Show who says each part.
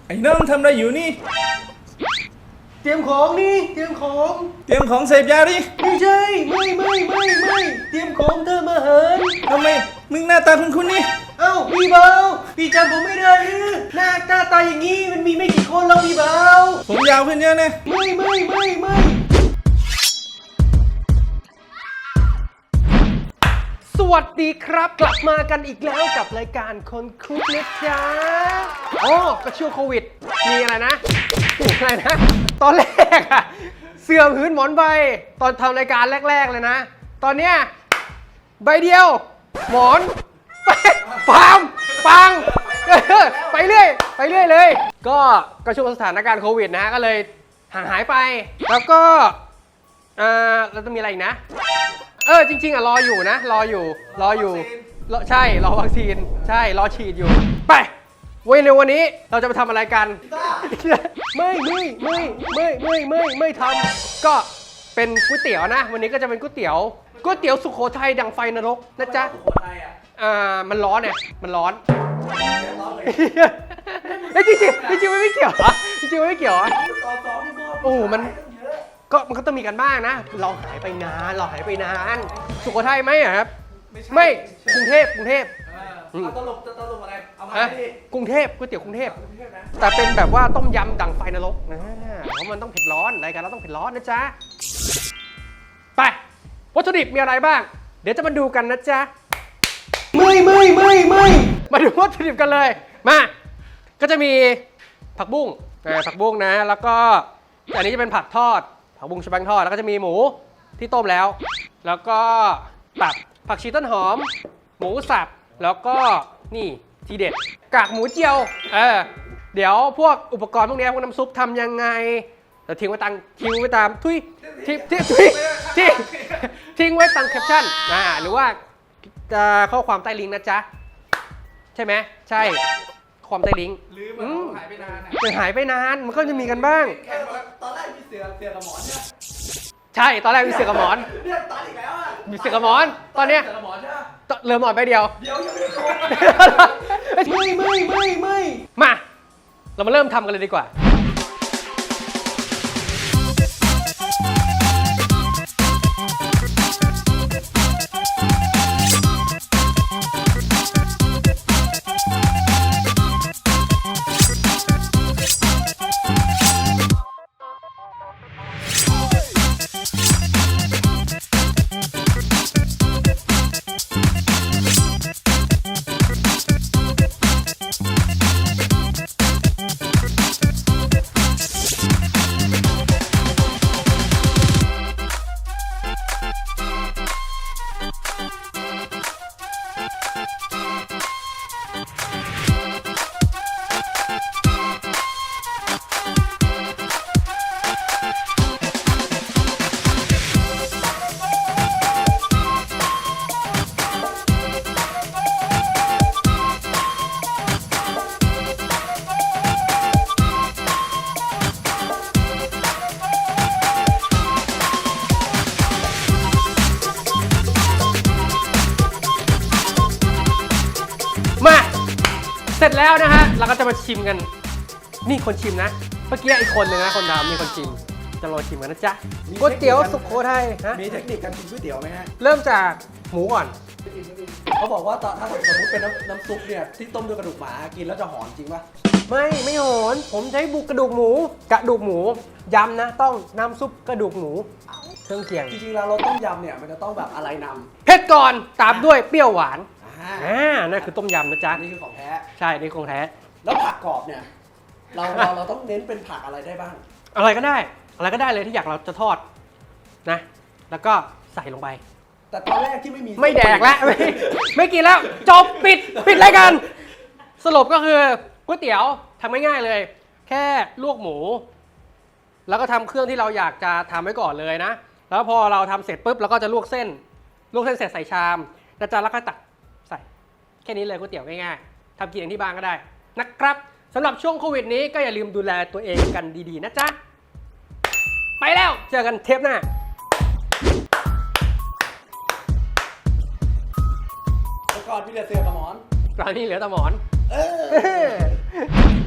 Speaker 1: ไอ้น้องทำอะไรอยู่นี่
Speaker 2: เตรียมของนี่เตรียมของ
Speaker 1: เตรียมของเสพยาดิ
Speaker 2: ไม่ใช่ไม่เตรียมของเธอมาเหิน
Speaker 1: ทำไมมึงหน้าตาคุ้นๆนี่
Speaker 2: เอ้าพี่เบาพี่จำผมไม่ได้หรือหน้าตาอย่างนี้มันมีไม่กี่คนแล้วพี่เบา
Speaker 1: ผมยาวขึ้นเยอะนะ
Speaker 2: ไม่สวัสดีครับกลับมากันอีกแล้วกับรายการคนคุกนะจ๊ะอ๋อก็ช่วงโควิดมีอะไรนะตอนแรกอะเสื่อมหืนหมอนใบตอนทำรายการแรกๆเลยนะตอนเนี้ยใบเดียวหมอนปังไปเรื่อยเลยก็ช่วงสถานการณ์โควิดนะฮะก็เลยห่างหายไปแล้วก็เราจะมีอะไรอีกนะจริงๆอ่ะรออยู่ใช่รอวัคซีนใช่รอฉีดอยู่ไปในวันนี้เราจะมาทำอะไรกันไม่ทำก็เป็นก๋วยเตี๋ยวนะวันนี้ก็จะเป็นก๋วยเตี๋ยวสุโขทัยดังไฟนรกนะจ๊ะสุโขทัยมันร้อนเนี่ยมันร้อนจริงมันไม่เกี่ยวโอ้มันก็ต้องมีกันบ้างนะเราหายไปนานสุโขทัยไหมครับไม่กรุงเทพ
Speaker 1: ตลกอะไรเอามาดิ
Speaker 2: กรุงเทพก๋วยเตี๋ยวกรุงเทพแต่เป็นแบบว่าต้มยำดังไฟนรกนะเพราะมันต้องเผ็ดร้อนรายการเราต้องเผ็ดร้อนนะจ๊ะไปวัตถุดิบมีอะไรบ้างเดี๋ยวจะมาดูกันนะจ๊ะไม่มาดูวัตถุดิบกันเลยมาก็จะมีผักบุ้งนะแล้วก็อันนี้จะเป็นผักทอดผักบุ้งชะบังทอดแล้วก็จะมีหมูที่ต้มแล้วก็ตับผักชีต้นหอมหมูสับแล้วก็นี่ทีเด็ดกากหมูเจียวเดี๋ยวพวกอุปกรณ์พวกนี้พวกน้ำซุปทำยังไงเราทิ้งไว้ตามทิ้งไว้ตามแคปชั่นหรือว่าข้อความใต้ลิงก์นะจ๊ะใช่ไหมใช่ความใต้ลิงก์
Speaker 1: ลืมหายไปนาน
Speaker 2: หายไปนานมันก็จะมีกันบ้าง
Speaker 1: ตอนแรกมีเสือกับหมอนเนี่ย
Speaker 2: ใช่ตอนแรกมีเสือกับหมอน
Speaker 1: เนี่ยตอนอีกแล้วอ่ะ
Speaker 2: มีเสือกับหมอนตอนเนี้ย
Speaker 1: เสือกับหมอนใช่ไหม
Speaker 2: เหลือหมอนไปเดียว
Speaker 1: ยังไม่ได้โกง
Speaker 2: ไม่มาเรามาเริ่มทำกันเลยดีกว่าเสร็จแล้วนะฮะเราก็จะมาชิมกันนี่คนชิมนะเมื่อกี้อีกคนนึงนะคนทำมีคนชิมจะรอชิมกันนะจ๊ะก๋วยเตี๋ยวสุโขทัย
Speaker 1: มีเทคนิคการกินก๋วยเตี๋ยวไหมฮะ
Speaker 2: เริ่มจากหมูก่อน
Speaker 1: เขาบอกว่าถ้าสมมติเป็นน้ำซุปเนี่ยที่ต้มด้วยกระดูกหมากินแล้วจะหอมจริงป่ะ
Speaker 2: ไม่หอนผมใช้กระดูกหมูย้ำนะต้องน้ำซุปกระดูกหมูเครื่องเคียง
Speaker 1: จริงๆแล้วเราต้มยำเนี่ยมันจะต้องแบบอะไรนำ
Speaker 2: เผ็ดก่อนตามด้วยเปรี้ยวหวานนั่นคือต้มยำนะจ๊ะ
Speaker 1: นี่คือของแท้
Speaker 2: ใช่นี่ของแท้
Speaker 1: แล้วผักกรอบเนี่ยเราต้องเน้นเป็นผักอะไรได้บ้าง
Speaker 2: อะไรก็ได้เลยที่อยากเราจะทอดนะแล้วก็ใส่ลงไป
Speaker 1: แต่ตอนแรกที่
Speaker 2: ไม่แดกแล้วไม่กินแล้วจบปิดรายการสรุปก็คือก๋วยเตี๋ยวทำง่ายๆเลยแค่ลวกหมูแล้วก็ทำเครื่องที่เราอยากจะทำไว้ก่อนเลยนะแล้วพอเราทำเสร็จปุ๊บเราก็จะลวกเส้นเสร็จใส่ชามนะจ๊ะแล้วก็ตักใส่แค่นี้เลยก๋วยเตี๋ยวง่ายๆทำกินเองที่บ้านก็ได้นะครับสำหรับช่วงโควิดนี้ก็อย่าลืมดูแลตัวเองกันดีๆนะจ๊ะไปแล้วเจอกันเทปหน้า
Speaker 1: ก่อนพี่เหลือเสือกับหมอน
Speaker 2: ตอนนี้เหลือแต่หมอน